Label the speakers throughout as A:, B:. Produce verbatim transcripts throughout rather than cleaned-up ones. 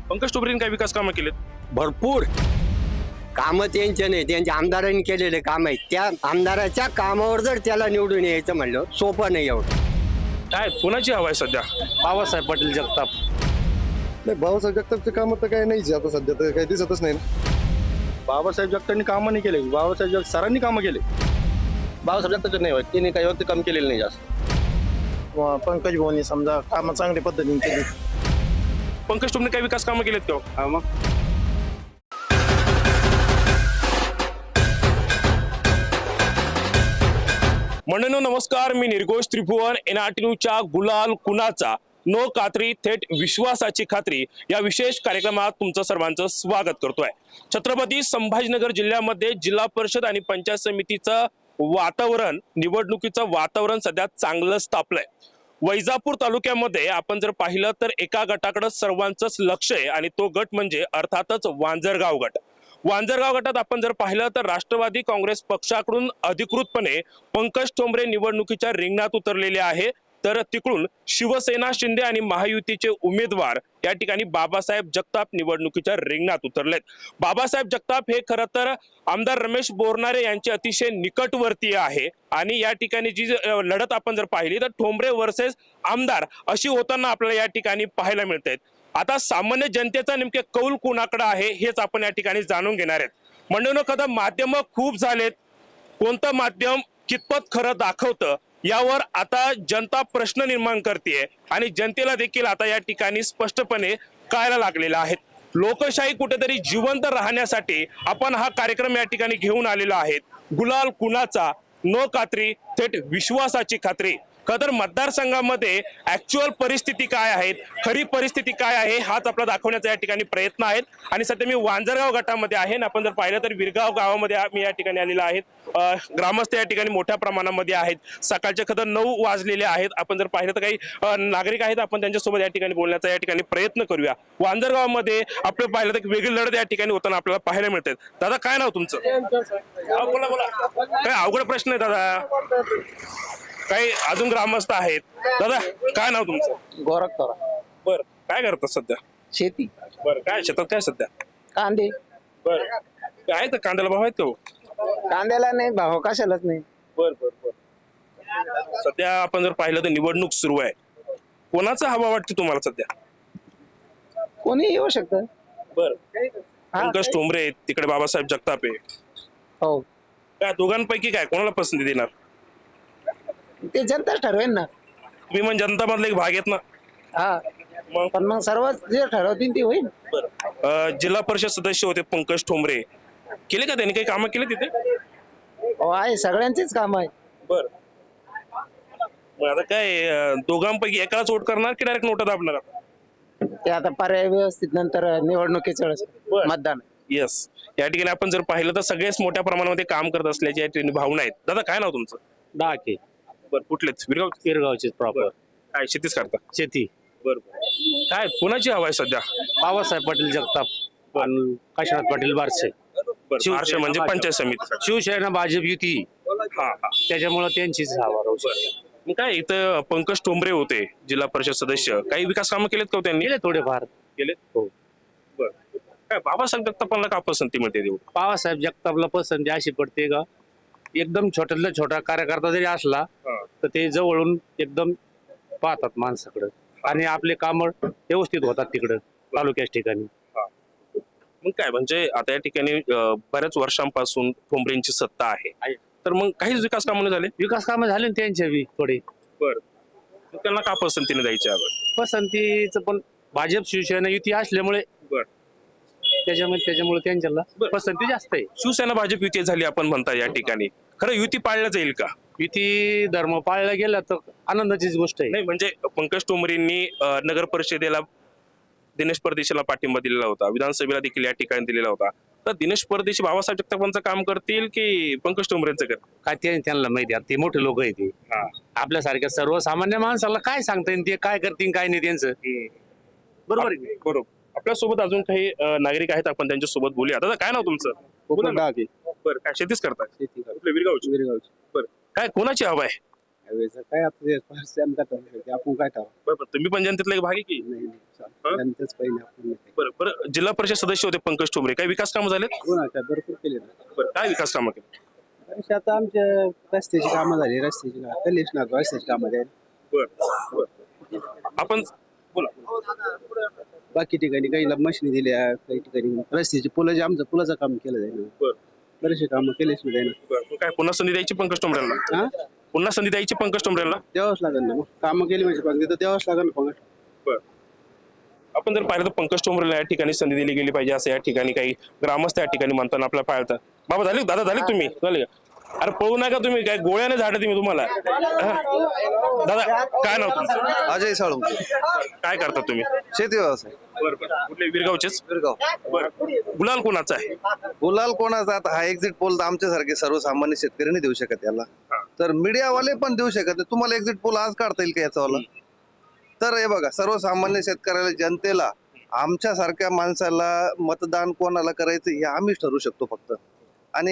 A: पंकज टोमरेंनी काय विकास कामं केलेत?
B: भरपूर कामं त्यांचे नाही, त्यांच्या आमदारांनी केलेले काम आहेत. त्या आमदाराच्या कामावर जर त्याला निवडून यायचं म्हणलं सोपं नाही एवढं.
A: काय कोणाची हवा आहे सध्या?
C: बाबासाहेब पाटील जगताप.
D: नाही, बाबासाहेब जगतापचे काम तर काही नाहीच आता सध्या, तर काही दिसतच नाही ना.
E: बाबासाहेब जगतांनी कामं नाही केले, बाबासाहेब जग सरांनी कामं केले. बाबासाहेब जगताचे नाही होत, त्यांनी काही वरती काम केलेलं नाही जास्त.
C: पंकज भाऊनी समजा कामं चांगल्या पद्धतीने केली.
A: पंकज टोमरे काय विकास कामं केलेत का?
E: मग
A: मंडळींनो नमस्कार, मी निर्घोष त्रिभुवन. एनआरटी न्यूजच्या गुलाल कुणाचा नो कात्री थेट विश्वासाची खात्री या विशेष कार्यक्रमात तुमचं सर्वांचं स्वागत करतोय. छत्रपती संभाजीनगर जिल्ह्यामध्ये जिल्हा परिषद आणि पंचायत समितीचं वातावरण, निवडणुकीचं वातावरण सध्या चांगलंच तापलंय. वैजापूर तालुक्यामध्ये आपण जर पाहिलं तर एका गटाकडे सर्वांचंच लक्ष आहे आणि तो गट म्हणजे अर्थातच वांजरगाव गट. वांजरगाव गटात आपण जर पाहिलं तर राष्ट्रवादी काँग्रेस पक्षाकडून अधिकृतपणे पंकज टोमरे निवडणुकीच्या रिंगणात उतरलेले आहे, तर तिकडून शिवसेना, शिंदे आणि महायुतीचे उमेदवार या ठिकाणी बाबासाहेब जगताप निवडणुकीच्या रिंगणात उतरलेत. बाबासाहेब जगताप हे खरं तर आमदार रमेश बोरनारे यांचे अतिशय निकटवर्तीय आहे आणि या ठिकाणी जी लढत आपण जर पाहिली तर टोमरे वर्सेस आमदार अशी होताना आपल्याला या ठिकाणी पाहायला मिळते. आता सामान्य जनतेचा नेमके कौल कोणाकडे आहे हेच आपण या ठिकाणी जाणून घेणार आहेत. मंडळींनो, कदा माध्यम खूप झालेत, कोणतं माध्यम कितपत खरं दाखवतं यावर आता जनता प्रश्न निर्माण करते आणि जनतेला देखील आता या ठिकाणी स्पष्टपणे कळायला लागलेला आहे. लोकशाही कुठेतरी जिवंत राहण्यासाठी आपण हा कार्यक्रम या ठिकाणी घेऊन आलेला आहे. गुलाल कुणाचा नो कात्री थेट विश्वासाची खात्री. खतर मतदारसंघामध्ये ऍक्च्युअल परिस्थिती काय आहे, खरी परिस्थिती काय आहे हाच आपला दाखवण्याचा या ठिकाणी प्रयत्न आहेत. आणि सध्या मी वांजरगाव गटामध्ये आहे. आपण जर पाहिलं तर विरगाव गावामध्ये मी या ठिकाणी आलेला आहे. ग्रामस्थ या ठिकाणी मोठ्या प्रमाणामध्ये आहेत. सकाळचे खतर नऊ वाजलेले आहेत. आपण जर पाहिलं तर काही नागरिक आहेत, आपण त्यांच्यासोबत या ठिकाणी बोलण्याचा या ठिकाणी प्रयत्न करूया. वांजरगावामध्ये आपण पाहिलं तर वेगळी लढत या ठिकाणी होताना आपल्याला पाहायला मिळते. दादा काय नाव तुमचं? बोला बोला. काय अवघड प्रश्न आहे दादा, काही अजून ग्रामस्थ आहेत. दादा काय नाव तुमचं?
C: गोरख करा.
A: बर, काय करतात सध्या?
C: शेती,
A: बर, काय शेतात काय सध्या?
C: कांदे.
A: बर, काय तर कांद्याला भाव आहेत का हो?
C: कांद्याला नाही भाव, कशालाच नाही.
A: बर बर बर. सध्या आपण जर पाहिलं तर निवडणूक सुरू आहे. कोणाचा हवा वाटते तुम्हाला सध्या?
C: कोणी येऊ शकत.
A: बर, पंकज टोमरे आहेत, तिकडे बाबासाहेब जगताप आहे.
C: हो,
A: काय दोघांपैकी काय कोणाला पसंती देणार?
C: ते जनताच ठरवेल ना.
A: तुम्ही म्हणजे जनता मधला एक भाग आहेत ना.
C: हा,
A: मग
C: पण मग सर्व जे ठरवतील ते होईल.
A: अं, जिल्हा परिषद सदस्य होते पंकज टोमरे, केले का त्यांनी काही कामं केले तिथे?
C: हो आहे, सगळ्यांचेच काम आहे.
A: बर, मग आता काय अं, दोघांपैकी एकालाच वोट करणार की डायरेक्ट नोटा दाबणार?
C: ते आता पर्याय व्यवस्थित नंतर निवडणुकीच्या वेळेस मतदान.
A: येस, या ठिकाणी आपण जर पाहिलं तर सगळेच मोठ्या प्रमाणामध्ये काम करत असल्याची या ठिकाणी भावना आहेत. दादा काय नाव तुमचं?
C: डाके.
A: बर, कुठलेच? विरगाव?
C: किरगावचे प्रॉपर.
A: काय शेतीच करता?
C: शेती.
A: बर, काय कोणाची हवा आहे सध्या?
C: बाबासाहेब पाटील जगताप आणि काशीनाथ पाटील बारसे.
A: बर, महाराष्ट्र म्हणजे पंचायत समिती.
C: शिवसेना भाजप युती,
A: हा हा.
C: त्याच्यामुळे त्यांचीच हवा राहू शकते.
A: मग काय इथं पंकज टोमरे होते जिल्हा परिषद सदस्य, काही विकास कामं केलेत का हो त्यांनी?
C: केले थोडेफार.
A: केलेत.
C: हो.
A: बर, काय बाबासाहेब जगतापांना का पसंती मिळते देऊ?
C: बाबासाहेब जगतापला पसंती अशी पडते का, एकदम छोट्यातला छोटा कार्यकर्ता जरी असला तर ते जवळून एकदम पाहतात माणसाकडे आणि आपले काम व्यवस्थित होतात तिकडं तालुक्याच्या ठिकाणी.
A: मग काय म्हणजे आता या ठिकाणी अं, बऱ्याच वर्षांपासून टोमरेंची सत्ता आहे, तर मग काहीच विकास कामं नाही झाले?
C: विकास कामं झाले ना त्यांच्या बी थोडे.
A: बर, त्यांना का पसंतीने द्यायची हवं?
C: पसंतीचं पण भाजप शिवसेना युती असल्यामुळे
A: बर,
C: त्याच्यामुळे त्याच्यामुळे त्यांच्याला
A: बरं.
C: पसंती जास्त आहे.
A: शिवसेना भाजप युती झाली आपण म्हणता, या ठिकाणी खरं युती पाळल्या जाईल का?
C: युती धर्म पाळला गेला तर आनंदाचीच गोष्ट आहे.
A: नाही म्हणजे पंकज टोमरेंनी अं, नगर परिषदेला दिनेश परदेशीला पाठिंबा दिलेला होता, विधानसभेला देखील या ठिकाणी दिलेला होता. तर दिनेश परदेशी बाबासाहेब जगतापांचं काम करतील की पंकज टोमरेंचं करतील?
C: काय ते त्यांना माहिती आहे, ते मोठे लोक आहेत ते. आपल्यासारख्या सर्वसामान्य माणसाला काय सांगता येईल ते काय करतील काय नाही त्यांचं. बरोबर आहे.
A: बरोबर. आपल्या सोबत अजून काही अं, नागरिक आहेत, आपण त्यांच्या सोबत बोलूया. दादा काय नाव तुमचं? बोला ना. बरं, काय शेतीच करताय?
D: शेती
A: कुठल्या? विरगावची?
D: विरगावची.
A: बरं, काय कोणाची हवा आहे?
D: काय आता आपण काय टाकू?
A: बरं, तुम्ही पण जनतेतला एक भाग आहे की?
D: नाही, जनतेच पहिले आपण.
A: बरं बरं, जिल्हा परिषद सदस्य होते पंकज ठोंबरे, काही विकास कामं झाले?
F: भरपूर केले
A: बरं, काय विकास कामं केली?
F: आता आमच्या रस्त्याची कामं झाली, रस्त्याची कामं कलेश ना रस्त्याची कामं झाली.
A: बरं आपण बोला.
F: बाकी ठिकाणी काही मशिनी दिल्या, काही ठिकाणी रस्त्याची पुलं जे आमचं पुलाचं काम केलं जाईल.
A: बरं.
F: बरेचसे कामं केलेच नाही जाईल.
A: बरं, काय पुन्हा संधी द्यायची पंकज ठोंबरेंना?
F: हा
A: पुन्हा संधी द्यायची पंकज ठोंबरेंना?
F: द्यावंच लागेल ना, मग कामं केली म्हणजे पण तिथं द्यावंच लागेल ना पंकज.
A: आपण जर पाहिलं तर पंकज ठोंबरेला या ठिकाणी संधी दिली गेली पाहिजे असं या ठिकाणी काही ग्रामस्थ या ठिकाणी म्हणताना आपल्याला पाळतात. बाबा झाले दादा झाले तुम्ही झाले का? अरे पळू नका तुम्ही, काय गोळ्याने झाडे तुम्ही तुम्हाला. हा? दादा काय नाव तुमचं?
G: अजय साळू,
A: काय करता तुम्ही?
G: शेती व्यवसाय,
A: कुठले विरगावचेच?
G: गिरगाव.
A: बरं, गुलाल कोणाचा आहे?
G: गुलाल कोणाचा? आता हा एक्झिट पोल तर आमच्यासारखे सर्वसामान्य शेतकरी नाही देऊ शकत याला, तर मीडियावाले पण देऊ शकत नाही. तुम्हाला एक्झिट पोल आज काढता येईल का याचावाला? तर हे बघा, सर्वसामान्य शेतकऱ्याला, जनतेला, आमच्यासारख्या माणसाला मतदान कोणाला करायचं हे आम्हीच ठरवू शकतो फक्त. आणि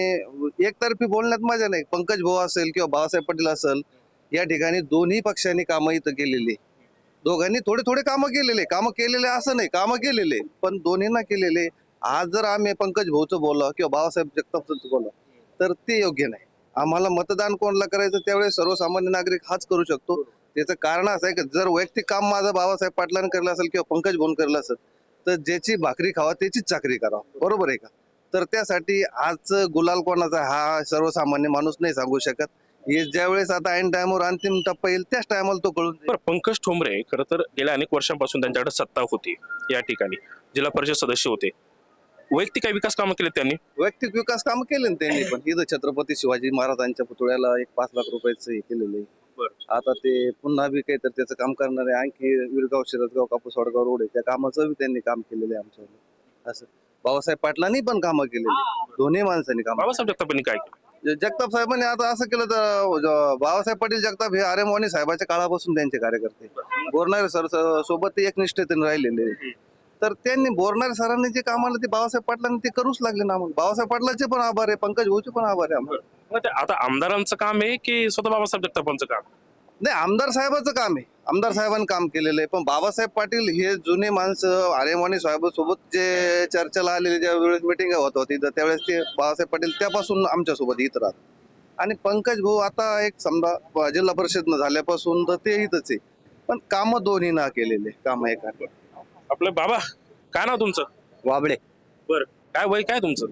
G: एकतर्फी बोलण्यात मजा नाही. पंकज भाऊ असेल किंवा बाळासाहेब पाटील असेल, या ठिकाणी दोन्ही पक्षांनी कामं इथं केलेली, दोघांनी थोडे थोडे कामं केलेले, कामं केलेले असं नाही, कामं केलेले पण दोन्हींना केलेले. आज जर आम्ही पंकज भाऊचं बोललो किंवा बाळासाहेब जगतापचं बोललो तर ते योग्य नाही. आम्हाला मतदान कोणाला करायचं त्यावेळेस सर्वसामान्य नागरिक हाच करू शकतो. त्याचं कारण असं आहे की जर वैयक्तिक काम माझं बाबासाहेब पाटलांनी केलं असेल किंवा पंकज भाऊन केलं असेल तर ज्याची भाकरी खावा त्याचीच चाकरी करावं, बरोबर आहे का? तर त्यासाठी आज गुलाल कोणाचा हा सर्वसामान्य माणूस नाही सांगू शकत. हे ज्यावेळेस आता ऐन टायमावर अंतिम टप्पा येईल त्याच टायमाला तो कळून जाईल.
A: बरं, पंकज ठोंबरे खरं तर गेल्या अनेक वर्षांपासून त्यांच्याकडे सत्ता होती, या ठिकाणी जिल्हा परिषद सदस्य होते. वैयक्तिक काही विकास कामं केले त्यांनी?
G: वैयक्तिक विकास काम केले ना त्यांनी पण. इथं छत्रपती शिवाजी महाराजांच्या पुतळ्याला एक पाच लाख रुपयाचं हे केलेलं आहे. आता ते पुन्हा बी काही तर त्याचं काम करणार आहे. आणखी विरगाव, शिरदगाव, कापूस वडगाव रोड आहे त्या कामाचं बी त्यांनी काम केलेलं आहे आमच्यावर. असं बाबासाहेब पाटलांनी पण कामं केलेली, दोन्ही माणसांनी काम.
A: बाबासाहेब जगतापांनी काय केलं?
G: जगताप साहेबांनी आता असं केलं तर ज- बाबासाहेब पाटील जगताप हे आर्य मोहनी साहेबाच्या काळापासून त्यांचे कार्यकर्ते, बोरणारे सर सोबत ते एक निष्ठेतून राहिलेले. तर त्यांनी बोरणारे सरांनी जे काम आलं ते बाबासाहेब पाटलांनी ते करूच लागले ना. मग बाबासाहेब पाटलाचे पण आभार आहे, पंकज भाऊचे पण आभार आहे आम्हाला.
A: मग ते आता आमदारांचं काम आहे की स्वतः बाबासाहेब जगतापांचं काम?
G: नाही, आमदार साहेबाचं काम आहे, आमदार साहेबांनी काम केलेलं आहे. पण बाबासाहेब पाटील हे जुने माणसं आर्यमानी साहेबांसोबत जे चर्चेला आलेले, ज्या वेळेस मिटिंग होत होती तर त्यावेळेस ते बाबासाहेब पाटील त्यापासून आमच्यासोबत इथं राहतात. आणि पंकज भाऊ आता एक समजा जिल्हा परिषद झाल्यापासून तर ते इथंच आहे, पण कामं दोन्ही ना केलेले कामं एका.
A: आपलं बाबा काय नाव तुमचं?
B: वाबळे,
A: बरं, काय वय काय तुमचं?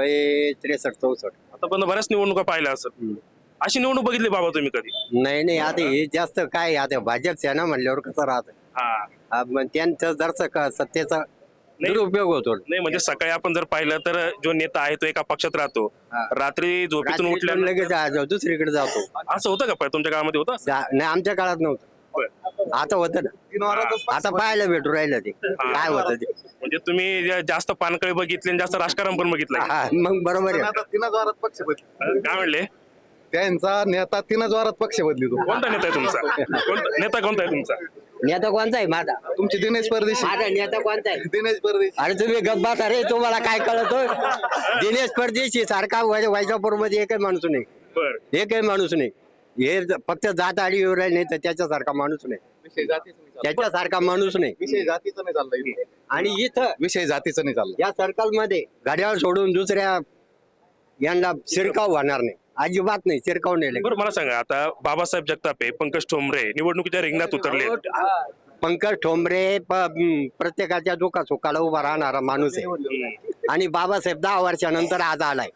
B: वय त्रेसष्ट चौसष्ट.
A: आतापर्यंत बऱ्याच निवडणुका पाहिल्या असं, अशी निवडणूक बघितली बाबा तुम्ही कधी?
B: नाही नाही, आता हे जास्त काय आता भाजपचं आहे ना म्हणल्यावर कसं राहत.
A: हा,
B: मग त्यांचं जरसं का सत्तेचा
A: नाही.
B: दुरुपयोग होतो.
A: नाही म्हणजे सकाळी आपण जर पाहिलं तर जो नेता आहे तो एका पक्षात राहतो,
B: हा.
A: रात्री झोपेतून
B: रात्री
A: उठल्या
B: लगेच आ- दुसरीकडे जातो.
A: असं होतं का पहिले तुमच्या गावामध्ये होतं असं?
B: जा- नाही, आमच्या काळात नव्हतं, आता होतं ना. आता पाहायला भेटू राहिलं ते काय होतं ते.
A: म्हणजे तुम्ही जे जास्त पानकळी बघितली आणि जास्त राजकारण पण बघितलं.
B: हा, मग बरोबर आहे.
D: तीनच वारात पक्ष बदली,
A: काय म्हणले?
D: त्यांचा नेता तीनच वारात पक्ष बदली. तो
A: कोणता नेता आहे तुमचा? कोणता नेता कोणता आहे तुमचा?
B: नेता कोणता आहे माझा?
D: तुमचे दिनेश परदेशी,
B: माझा नेता कोणता आहे?
D: दिनेश परदेशी.
B: अरे तुम्ही गप्पा अरे तुम्हाला काय कळतो? दिनेश परदेशी सारखा वैजापूर मध्ये एकही माणूस नाही,
A: बरं,
B: एकही माणूस नाही. हे ज- फक्त जात आडी येऊ राहिले नाही तर त्याच्यासारखा माणूस नाही,
D: विषय जातीचा नाही चालला.
B: त्याच्यासारखा माणूस नाही.
D: विषय जातीचा नाही चालला इथे.
B: आणि इथं
D: विषय जातीचा नाही चालला.
B: या सर्कल मध्ये घड्याळ सोडून दुसऱ्या यांना शिरकाव होणार नाही, अजिबात नाही शिरकाव नाही.
A: बरं मला सांगा, आता बाबासाहेब जगतापे, पंकज ठोंबरे निवडणुकीच्या रिंगणात उतरले.
B: पंकज ठोंबरे प- म, प्रत्येकाच्या दुखा सुखाला उभा राहणारा माणूस आहे. आणि बाबासाहेब दहा वर्षानंतर आज आलाय.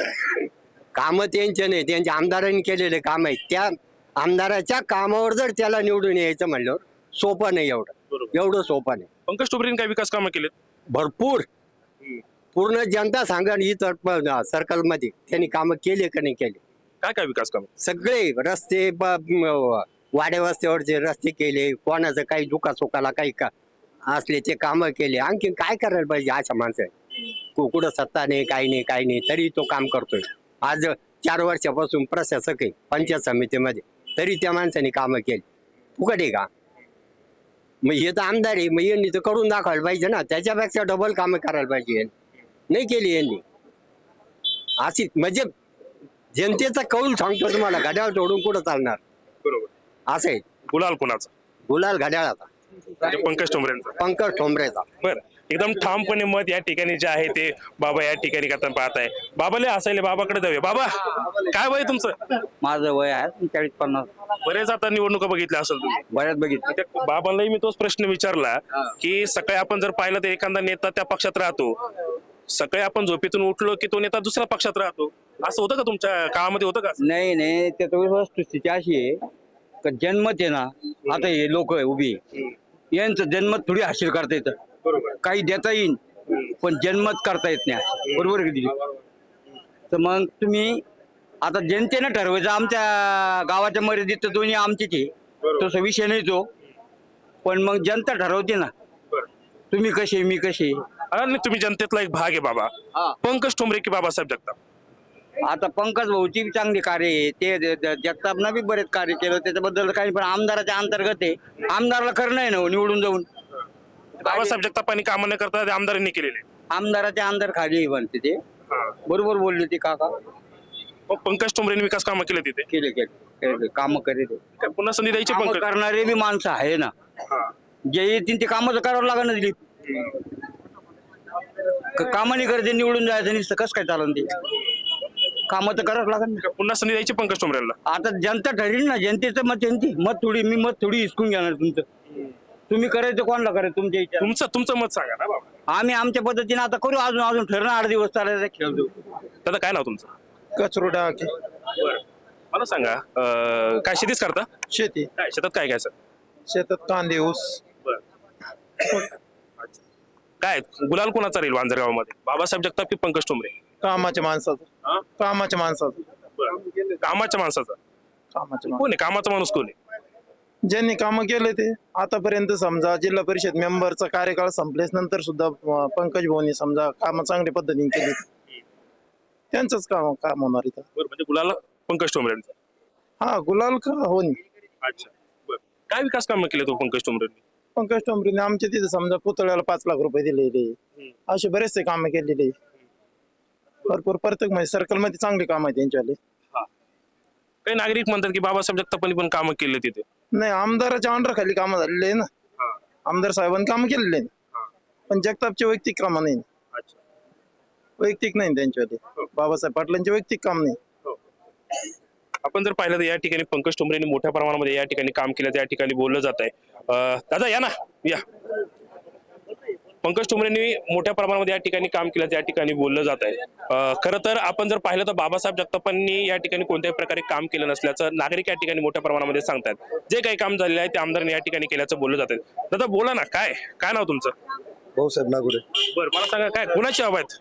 B: कामं त्यांचे नाही, त्यांच्या आमदारांनी केलेले काम आहेत. त्या आमदाराच्या कामावर जर त्याला निवडून यायचं म्हणल्यावर सोपं नाही, एवढं एवढं सोपं नाही.
A: पंकज ठोंबरेंनी काय विकास कामं केलेत?
B: भरपूर पूर्ण जनता सांगा इथं सर्कल मध्ये त्यांनी कामं केले का नाही केले.
A: काय काय विकास काम?
B: सगळे रस्ते ब- म- वाड्या वस्त्यावरचे रस्ते केले, कोणाचं काही दुखा सुखाला काही का असले ते कामं केले. आणखी काय करायला पाहिजे अशा माणसं? कु- कुठं सत्ता नाही, काही नाही, काही नाही, तरी तो काम करतोय. आज चार वर्षापासून प्रशासक आहे पंचायत समितीमध्ये, तरी त्या माणसाने कामं केली. फुकट आहे का? मग हे तर आमदार आहे, मग यांनी तर करून दाखवायला पाहिजे ना. त्याच्यापेक्षा डबल कामं करायला पाहिजे. नाही केली यांनी. अशी म्हणजे जनतेचा कौल सांगतो तुम्हाला, घड्याळ सोडून कुठं चालणार
A: बरोबर.
B: असं आहे.
A: गुलाल कोणाचा?
B: गुलाल घड्याळाचा,
A: म्हणजे पंकज ठोंबरेंचा.
B: पंकज ठोंबरेचा.
A: बरं, एकदम ठामपणे मत या ठिकाणी जे आहे ते बाबा या ठिकाणी करताना पाहत आहे. बाबाले असायले बाबाकडे जाऊया. बाबा काय वय तुमचं?
B: माझं वय आहे चाळीस पन्नास.
A: बरेच आता निवडणुका बघितल्या असेल तुम्ही.
B: बऱ्याच बघितलं.
A: त्या बाबांनाही मी तोच प्रश्न विचारला की सकाळी आपण जर पाहिलं तर एखादा नेता त्या पक्षात राहतो, सकाळी आपण झोपेतून उठलो की तो नेता दुसऱ्या पक्षात राहतो. असं होतं का तुमच्या काळामध्ये? होतं का?
B: नाही नाही त्यात वस्तुस्थिती अशी आहे का जन्मत आहे ना, आता हे लोक उभी आहे, यांचं जन्मत थोडी हासिल करता येतं.
A: बरोबर.
B: काही देता येईल पण जन्मत करता येत नाही. बरोबर आहे की नाही? तर मग तुम्ही आता जनतेनं ठरवायचं. आमच्या गावाच्या मर्यादित तर दोन्ही आमचेच आहे, तसा विषय नाही तो. पण मग जनता ठरवते ना, तुम्ही कसे मी कसे.
A: आणि तुम्ही जनतेतला एक भाग आहे बाबा.
B: हा.
A: पंकज ठोंबरे की बाबासाहेब जगताप?
B: आता पंकज भाऊची बी चांगली कार्य आहे, ते ज- ज- जगतापनं बी बरेच कार्य केलं, त्याच्याबद्दल काही. पण आमदाराच्या अंतर्गत आहे, आमदाराला करणं आहे ना हो, निवडून जाऊन.
A: बाबासाहेब जगतापांनी कामं न करता ते आमदारांनी केलेले.
B: आमदाराच्या अंतर खाली बनते ते. बरोबर बोलले ते काका.
A: मग पंकज ठोंबरेंनी विकास कामं केले तिथे.
B: केले केले काम करे ते.
A: काय पुन्हा संधी द्यायची
B: कामं
A: पंकज?
B: करणारे बी माणसं आहे ना, जे येतील ते कामं तर करावं लागणार ना. दिलीप कामं नाही करते, निवडून जायचं नुसतं कसं काय चालन ते. कामं तर करावं लागणार ना.
A: काय पुन्हा संधी द्यायची पंकज ठोंबरेंना?
B: आता जनता ठरेल ना, जनतेचं मत त्यांची. मत थोडी मी मत थोडी हिसकून घेणार तुमचं. तुम्ही करायचं कोणाला करायचं तुमच्या इच्छा.
A: तुमचं तुमचं मत सांगा ना बाबा.
B: आम्ही आमच्या पद्धतीने आता करू. अजून अजून ठरणार आठ दिवस चालायचा खेळ देऊ.
A: दादा काय नाव तुमचं?
F: कचरो डाके.
A: मला सांगा, अं, काय शेतीच करता?
F: शेती.
A: काय शेतात काय काय सर?
F: शेतात कांदे ऊस.
A: काय गुलाल कोणाचा राहील वांजर गावामध्ये? बाबासाहेब जगताप की पंकज ठोंबरे?
F: कामाच्या माणसाचं.
A: हा?
F: कामाच्या माणसाचं.
A: कामाच्या माणसाचा
F: कामाच्या
A: कोण आहे? कामाचा माणूस कोण आहे?
F: ज्यांनी कामं केले ते आतापर्यंत. समजा जिल्हा परिषद मेंबरचा कार्यकाळ संपल्यास नंतर सुद्धा अं, पंकज भाऊनी समजा कामं चांगल्या पद्धतीने केली, त्यांचंच काम काम होणार इथं.
A: बरं, म्हणजे गुलाल पंकज ठोंबरेंचा.
F: हा गुलाल का होऊन.
A: अच्छा, बरं. काय विकास कामं केले तो पंकज ठोंबरेंनी?
F: पंकज टोंबरीने आमच्या तिथे समजा पुतळ्याला पाच लाख रुपये दिलेले, असे बरेचसे कामं केलेले भरपूर. प्रत्येक म्हणजे सर्कल मध्ये चांगली काम आहे त्यांच्यावाले.
A: काही नागरिक म्हणतात की बाबासाहेब जगतापांनी पण कामं केले तिथे.
F: नाही, आमदाराच्या अंडर खाली कामं झालेले आहे ना, आमदार साहेबांनी कामं केलेले आहे. पण जगतापचे वैयक्तिक कामं नाही,
A: अच्छा,
F: वैयक्तिक नाही त्यांच्यावाले. बाबासाहेब पाटलांचे वैयक्तिक काम नाही.
A: आपण जर पाहिलं तर या ठिकाणी पंकज ठोंबरेंनी मोठ्या प्रमाणामध्ये या ठिकाणी काम केलं, त्या ठिकाणी बोललं जात आहे. दादा या ना, या. पंकज ठोंबरेंनी मोठ्या प्रमाणामध्ये या ठिकाणी काम केलं, त्या ठिकाणी बोललं जात आहे. खरं तर आपण जर पाहिलं तर बाबासाहेब जगतापांनी या ठिकाणी कोणत्याही प्रकारे काम केलं नसल्याचं नागरिक या ठिकाणी मोठ्या प्रमाणामध्ये सांगतात. जे काही काम झालेलं आहे ते आमदारांनी या ठिकाणी केल्याचं बोललं जात आहे. दादा बोला ना, काय काय नाव तुमचं?
D: भाऊसाहेब नागुडे.
A: बरं, मला सांगा काय कुणाची हवा आहेत?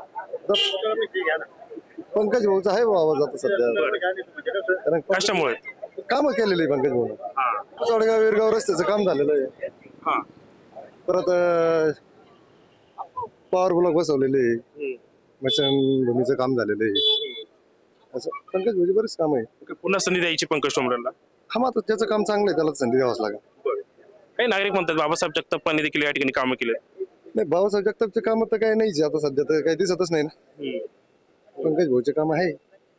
D: पंकज भाऊचा आहे आवाज आता सध्या, कारण
A: कशामुळे?
D: कामं केलेली पंकज भाऊ. चौडगाव विरगाव रस्त्याचं काम झालेलं आहे.
A: हा,
D: परत पॉवर ब्लॉक बसवलेले, भूमीचं काम झालेलं आहे. असं पंकज भाऊची बरेच काम आहे.
A: पुन्हा संधी द्यायची पंकज ठोंबरेंना?
D: हा, मग आता त्याचं काम चांगलं आहे, त्याला संधी द्यावाच लागेल.
A: काही नागरिक म्हणतात बाबासाहेब जगतापांनी देखील या ठिकाणी कामं केले.
D: नाही, भाऊसाहेब जगतापचे काम तर काही नाहीच आता सध्या, तर काही दिसतच नाही ना. पंकज भाऊचे काम आहे.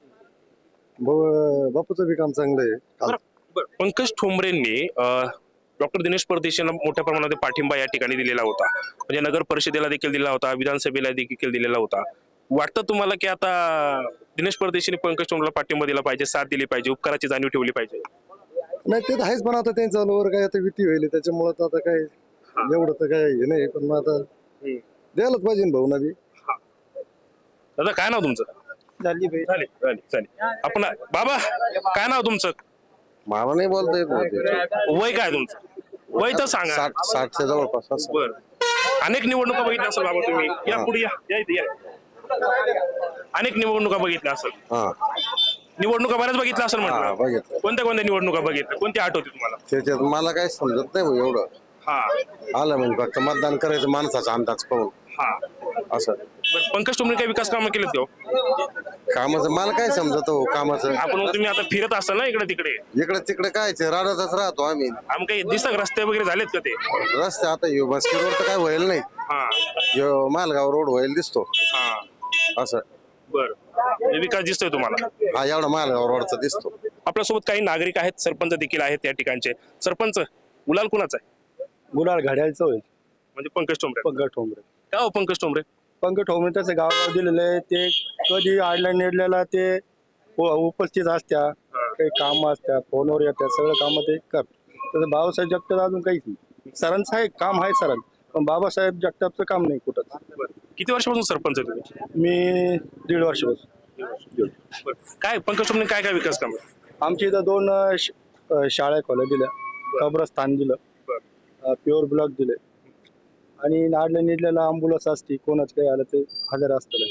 D: भाऊ बापूचं बी काम चांगलं आहे. काल
A: बरं, पंकज ठोंबरेंनी डॉक्टर दिनेश परदेशींना मोठ्या प्रमाणात पाठिंबा या ठिकाणी दिलेला होता. म्हणजे नगर परिषदेला देखील दिला होता, विधानसभेला देखील दिलेला होता. वाटतं तुम्हाला की आता दिनेश परदेशींनी पंकज ठोंबरेला पाठिंबा दिला पाहिजे, साथ दिली पाहिजे, उपकाराची जाणीव ठेवली पाहिजे?
D: नाही, ते तर आहेच, पण आता त्यांच्या चालूवर काय आता विती होईल, त्याच्यामुळं तर आता काय एवढं तर काय हे नाही. पण मग आता द्यायलाच पाहिजे ना भाऊना बी.
A: दादा काय नाव तुमचं?
F: झाली बाई.
A: चालेल चालेल चालेल. आपण बाबा काय नाव तुमचं?
G: मला नाही बोलता येत.
A: वय काय तुमचं? वय तर सांगा.
G: साठ साठच्या जवळपास.
A: बर, अनेक निवडणुका बघितल्या असेल बाबा तुम्ही. या पुढे या, या इथे या. अनेक निवडणुका बघितल्या असेल.
G: हा,
A: निवडणुका बऱ्याच बघितल्या असेल
G: हा,
A: म्हटलं.
G: बघितलं.
A: कोणत्या कोणत्या निवडणुका बघितल्या? कोणती आठवते तुम्हाला?
G: त्याच्यात मला काय समजत नाही भाऊ एवढं.
A: हा
G: आलं म्हणजे फक्त मतदान करायचं माणसाचा अंदाज पाहून,
A: हा.
G: असं.
A: बरं, पंकज ठोंबरे काही विकास कामं केलेत का हो?
G: कामाचं मला काय समजत हो कामाचं.
A: आपण मग तुम्ही आता फिरत असाल ना इकडे तिकडे,
G: इकडे तिकडे काय राहतच राहतो आम्ही.
A: आम काही दिसत रस्ते वगैरे झालेत का ते?
G: रस्ते आता यो बसकी रोड तर काय होईल नाही,
A: हा
G: यो मालगाव रोड होईल दिसतो
A: हा.
G: असं.
A: बर, विकास दिसतोय तुम्हाला?
G: हा, एवढा मालगाव रोडचा दिसतो.
A: आपल्यासोबत काही नागरिक आहेत, सरपंच देखील आहेत या ठिकाणचे. सरपंच, गुलाल कुणाचा आहे?
B: गुलाल घड्याळचं होईल.
A: म्हणजे पंकज ठोंबरे.
F: पंकज ठोंबरे
A: काय हो पंकज ठोंबरे?
F: पंकज ठोंबरे त्याचं गावागाव दिलेलं आहे. ते कधी आडल्या नेडल्याला ते उ- उपस्थित असत्या, काही काम असत्या, फोनवर येतात, सगळं काम ते करतात. तसं बाबासाहेब जगताप अजून काहीच नाही. सरांचं आहे काम आहे सरांचं, पण बाबासाहेब जगतापचं काम नाही कुठंच.
A: किती वर्षापासून सरपंच आहे तुम्ही?
F: मी दीड वर्षापासून.
A: बरं. काय पंकज ठोंबरे काय काय विकास काम?
F: आमच्या इथं दोन अं, श- अं, शाळा खोल्या दिल्या, कब्रस्तान दिलं, प्युअर ब्लॉक दिले, आणि नाडल्या निडल्याला अँब्युलन्स असते, कोणाच काही आलं ते हजर असतं.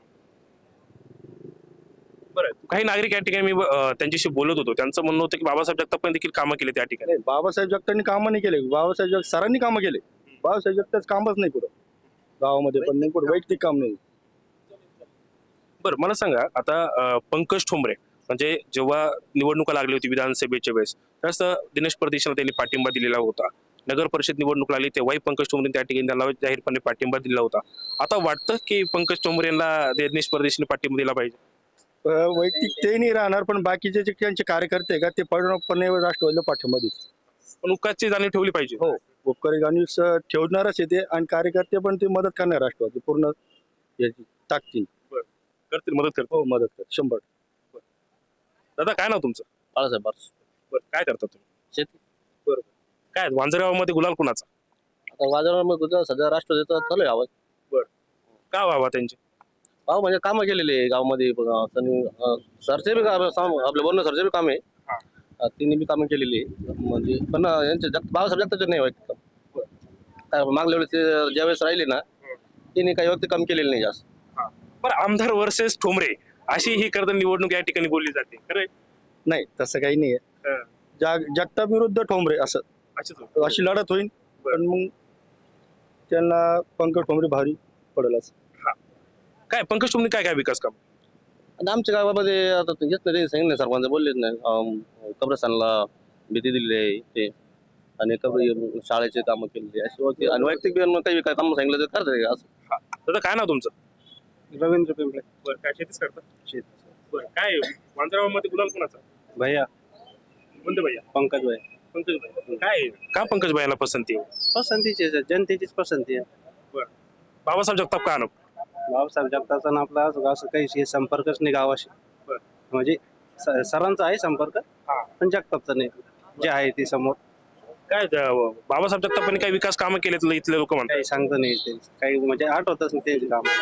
A: बरं. काही नागरिक या ठिकाणी मी अं, त्यांच्याशी बोलत होतो, त्यांचं म्हणणं होतं की बाबासाहेब जगतापांनी देखील कामं केली त्या ठिकाणी.
F: नाही, बाबासाहेब जगतांनी कामं नाही केले. बाबासाहेब जग सरांनी कामं केले. बाबासाहेब जगताच कामच नाही कुठं गावामध्ये, पण नाही कुठं वैयक्तिक काम नाही.
A: बरं मला सांगा आता अं, पंकज ठोंबरे म्हणजे जेव्हा निवडणुका लागली होती विधानसभेच्या वेळेस त्यावेळेस अं, दिनेश परदेशीला त्यांनी पाठिंबा दिलेला होता. नगर परिषद निवडणूक लागली तेव्हाही पंकज ठोंबरे त्या ठिकाणी त्यांना जाहीरपणे पाठिंबा दिला होता. आता वाटतं की पंकज ठोंबरे यांना दिनेश परदेशीने पाठिंबा दिला पाहिजे?
F: अं, वैयक्तिक ते नाही राहणार, पण बाकीचे जे त्यांचे कार्यकर्ते आहे का ते पूर्णपणे राष्ट्रवादीला पाठिंबा देतील.
A: पण उकाची जाणीव ठेवली पाहिजे.
F: हो, उपकारी गाणी ठेवणारच येते, आणि कार्यकर्ते पण ते मदत करणार राष्ट्रवादी पूर्ण याची टाकतील.
A: करतील, मदत करतील.
F: हो, मदत कर शंभर.
A: दादा काय नाव तुमचं?
E: बाळासाहेब बारस.
A: बरं काय करता तुम्ही?
E: शेती.
A: बरोबर. काय वांजरगावामध्ये गुलाल कुणाचा?
E: आता बाजारामध्ये सध्या राष्ट्रवादीचा चालू आहे आवाज.
A: का व्हावा त्यांची?
E: गाव म्हणजे कामं केलेली आहे गावामध्ये. बघा, त्यांनी, अं, सरचे बी काम साम- आपल्या बोलणं सरचे बी काम आहे. अं, त्यांनी बी कामं केलेली आहे. म्हणजे पण अं, यांचे जग बाबासाहेब जगताचे नाही व्हायचं काम. काय मागल्या वेळेस ते ज्यावेळेस राहिले ना, त्यांनी काही व्यक्ती काम केलेलं नाही जास्त.
A: बरं आमदार वर्सेस ठोंबरे अशी ही करता निवडणूक या ठिकाणी बोलली जाते खरं?
F: नाही, तसं काही नाही आहे.
A: हं.
F: जाग जगताप विरुद्ध ठोंबरे असं
A: अच्छा.
F: अशी लढत होईल, पण मग त्यांना पंकज ठोंबरे भारी पडेल असं.
A: काय पंकज ठोंबरे काय काय विकास काम?
E: आणि आमच्या गावामध्ये आता ते घेत नाही, ते सांगितलं सरपंच बोललेच नाही. अं, कब्रस्तानला भीती दिलेली आहे ते, आणि कब्र शाळेचे कामं केलेली आहे अशी होती. आणि वैयक्तिक बी काही काय कामं सांगितलं तर करते असं.
A: दादा काय नाव तुमचं?
F: रवींद्र पिंपळे.
A: बरं काय शेतीच करता? शेती. बरं काय वांजरगावामध्ये गुलाल कुणाचा?
F: भैया
A: कोणते भैया?
F: पंकज भाई
A: पंकज भाई. काय का पंकज भाईला पसंती आहे?
F: पसंतीची आहे, जनतेचीच पसंती आहे.
A: बाबासाहेब जगताप का नको?
F: बाबासाहेब जगतापचा आपला असं काही संपर्कच नाही गावाशी.
A: बरं.
F: म्हणजे स- सरांचा आहे संपर्क, पण जगतापचा नाही. जे आहे ते समोर
A: काय त्या- बाबासाहेब जगतापांनी काही विकास कामं केलेत इथले लोक म्हणतात.
F: काही सांगता नाही येत. काही म्हणजे आठवतच नाही ते काम.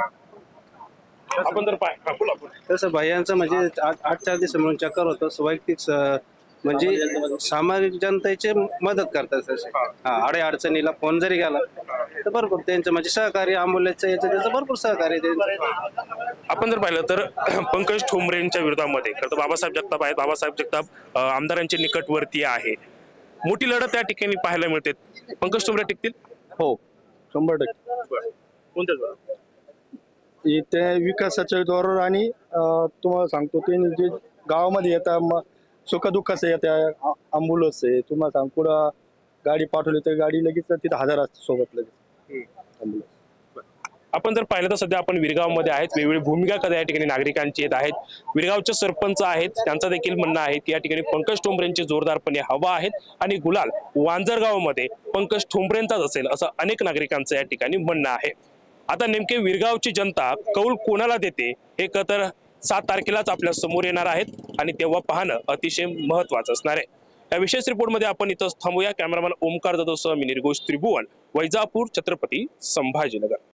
A: आपण जर पाय हा, बोला, बोला.
F: तसं भैयांचं म्हणजे आठ आठ चार दिवस म्हणून चक्कर होतं. वैयक्तिक स- म्हणजे सामाजिक जनतेचे मदत करतात तसे. हा, अडे अडचणीला फोन जरी गेला तर भरपूर त्यांचं म्हणजे सहकार्य, आंबोल्याचं याचं त्याचं भरपूर सहकार्य त्यांचं.
A: आपण जर पाहिलं तर पंकज ठोंबरेंच्या विरोधामध्ये खरं तर बाबासाहेब जगताप आहेत. बाबासाहेब जगताप अं, आमदारांचे निकटवर्ती आहे. मोठी लढत त्या ठिकाणी पाहायला मिळते. पंकज ठोंबरे टिकतील?
F: हो, शंभर टक्के.
A: कोणत्या?
F: ते विकासाच्या जोरावर, आणि अं, तुम्हाला सांगतो ते जे गावामध्ये येतात सुखदुःखाचं येत्या अँब्युलन्स आहे, तुम्हाला सांग पुढं गाडी पाठवली तर गाडी लगेच तिथं हजर असते सोबत लगेच अँब्युलन्स.
A: आपण जर पाहिलं तर सध्या आपण विरगावमध्ये आहेत. वेगवेगळी भूमिका कदा या ठिकाणी नागरिकांची येत आहेत. विरगावचे सरपंच आहेत, त्यांचं देखील म्हणणं आहे की या ठिकाणी पंकज ठोंबरेंचे जोरदारपणे हवा आहेत आणि गुलाल वांजरगावमध्ये पंकज ठोंबरेंचाच असेल असं अनेक नागरिकांचं या ठिकाणी म्हणणं आहे. आता नेमके विरगावची जनता कौल कोणाला देते हे तर सात तारखेलाच आपल्या समोर येणार आहेत, आणि तेव्हा पाहणं अतिशय महत्वाचं असणार आहे. या विशेष रिपोर्टमध्ये आपण इथंच थांबूया. कॅमेरामॅन ओमकार जाधवसह मी निर्घोष त्रिभुवन, वैजापूर, छत्रपती संभाजीनगर.